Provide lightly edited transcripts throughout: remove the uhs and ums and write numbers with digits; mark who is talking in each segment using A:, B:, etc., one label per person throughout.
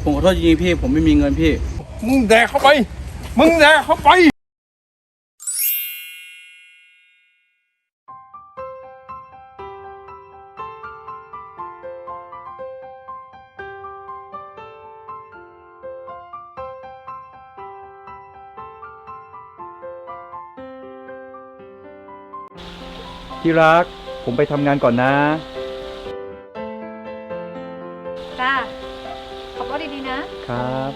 A: ผมขอโทษจริงๆพี่ผมไม่มีเงินพี่
B: มึงแดกเข้าไปมึงแดกเข้าไป
C: ที่รักผมไปทำงานก่อนนะ
D: จ้าขับรถดีๆนะครับ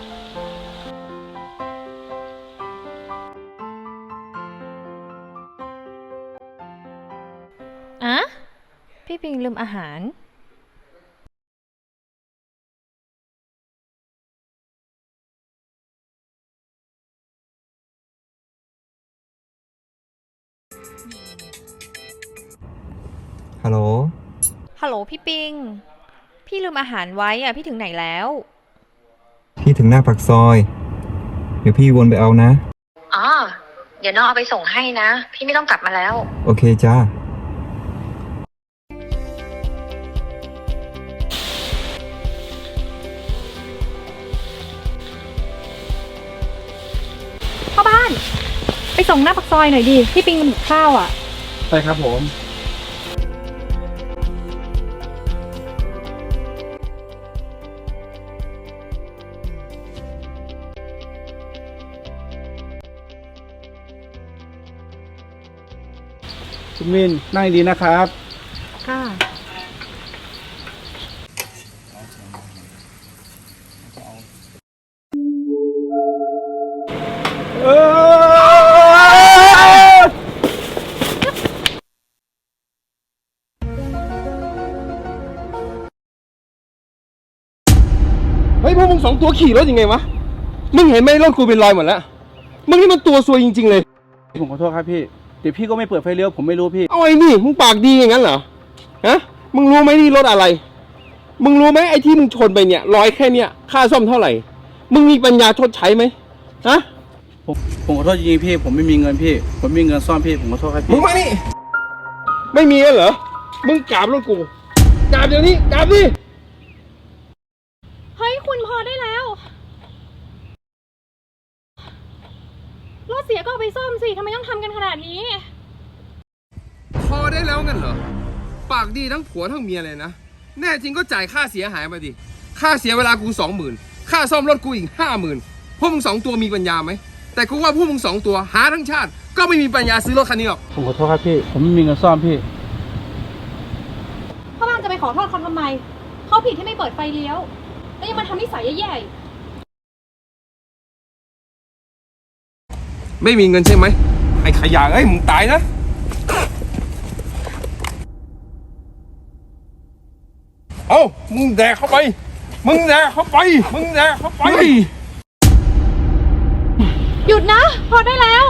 D: อะพี่ปิงลืมอาหาร
C: ฮัลโหล
D: ฮัลโหลพี่ปิงพี่ลืมอาหารไว้อะพี่ถึงไหนแล้ว
C: พี่ถึงหน้าปากซอยเดี๋ยวพี่วนไปเอานะ
D: อ๋อเดี๋ยวน้องเอาไปส่งให้นะพี่ไม่ต้องกลับมาแล้ว
C: โอเคจ้า
D: พ่อบ้านไปส่งหน้าปากซอยหน่อยดิพี่ปิงมันหิวข้าวอ่ะ
A: ใช่ครับผมคุณมินนั่งดีนะครับ
D: ค่ะ
B: เฮ้ยพวกมึงสองตัวขี่รถยังไงวะมึงเห็นไหมรถกูเป็นรอยหมดแล้วมึงนี่มันตัวซวยจริงๆเลย
A: ผมขอโทษครับพี่เดี๋ยวพี่ก็ไม่เปิดไฟเลี้ยวผมไม่รู้พี่
B: เอาไอ้นี่มึงปากดีอย่างนั้นเหรอฮะมึงรู้ไหมนี่รถอะไรมึงรู้ไหมไอ้ที่มึงชนไปเนี่ยร้อยแค่เนี้ยค่าซ่อมเท่าไหร่มึงมีปัญญาชดใช้ไหมฮะ
A: ผมขอโทษจริงๆพี่ผมไม่มีเงินพี่ผมไม่มีเงินซ่อมพี่ผมขอโทษครับพี่
B: มึงมานี่ไม่มีเหรอมึงกราบรถกูกราบเดี๋ยวนี้กราบดิ
D: เฮ้ยคุณพอได้แล้วรถเสียก็เอาไปซ่อมสิทำไมต้องทำกันขนาดนี้
B: พอได้แล้วงั้นเหรอปากดีทั้งผัวทั้งเมียเลยนะแน่จริงก็จ่ายค่าเสียหายมาดิค่าเสียเวลากู20,000ค่าซ่อมรถกูอีก50,000พวกมึงสองตัวมีปัญญาไหมแต่กูว่าพวกมึงสองตัวหาทั้งชาติก็ไม่มีปัญญาซื้อรถคันนี้หรอก
A: ผมขอโทษครับพี่ผมไม่มีเงินซ่อมพี่
D: พ่อบ้านจะไปขอโทษเขาทำไมเขาผิดที่ไม่เปิดไฟเลี้ยวแล้วยังมาทำนิสัยแย่
B: ๆไม่มีเงินใช่ไหมไอ้ขยะเอ้ยมึงตายนะเอามึงแดกเข้าไปมึงแดกเข้าไปมึงแดกเข้าไป
D: หยุดนะพอได้แล้ว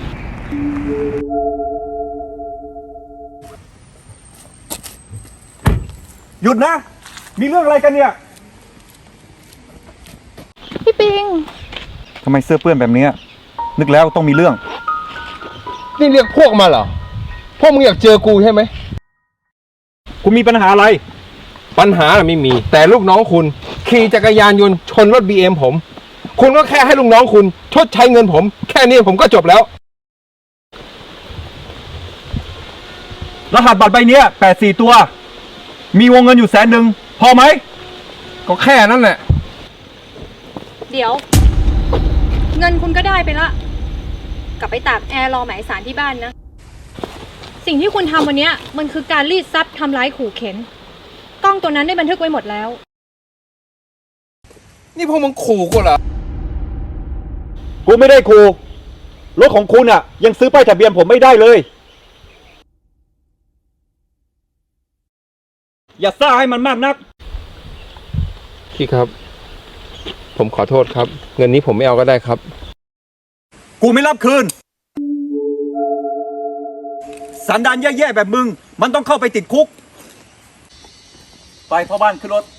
C: หยุดนะมีเรื่องอะไรกันเนี่ย
D: พี่ปิง
C: ทำไมเสื้อเปื้อนแบบนี้นึกแล้วต้องมีเรื่อง
B: นี่เรียกพวกมาเหรอพวกมึงอยากเจอกูใช่ไหม
C: คุณมีปัญหาอะไร
B: ปัญหาไม่มีแต่ลูกน้องคุณขี่จักรยานยนต์ชนรถ BM ผมคุณก็แค่ให้ลูกน้องคุณชดใช้เงินผมแค่นี้ผมก็จบแล้ว
C: รหัสบัตรใบนี้84ตัวมีวงเงินอยู่100,000พอไหม
B: ก็แค่นั้นแหละ
D: เดี๋ยวเงินคุณก็ได้ไปละกลับไปตากแอร์รอหมายสารที่บ้านนะสิ่งที่คุณทำวันนี้มันคือการรีดทรัพย์ทำร้ายขู่เข็นกล้องตัวนั้นได้บันทึกไว้หมดแล้ว
B: นี่พวกมึงขู่กูเหรอ
C: กูไม่ได้ขู่รถของคุณอ่ะยังซื้อป้ายทะเบียนผมไม่ได้เลยอย่าซ่าให้มันมากนัก
B: พี่ครับผมขอโทษครับเงินนี้ผมไม่เอาก็ได้ครับ
C: กูไม่รับคืนสันดานแย่ๆแบบมึงมันต้องเข้าไปติดคุก
A: ไปพ่อบ้านขึ้นรถ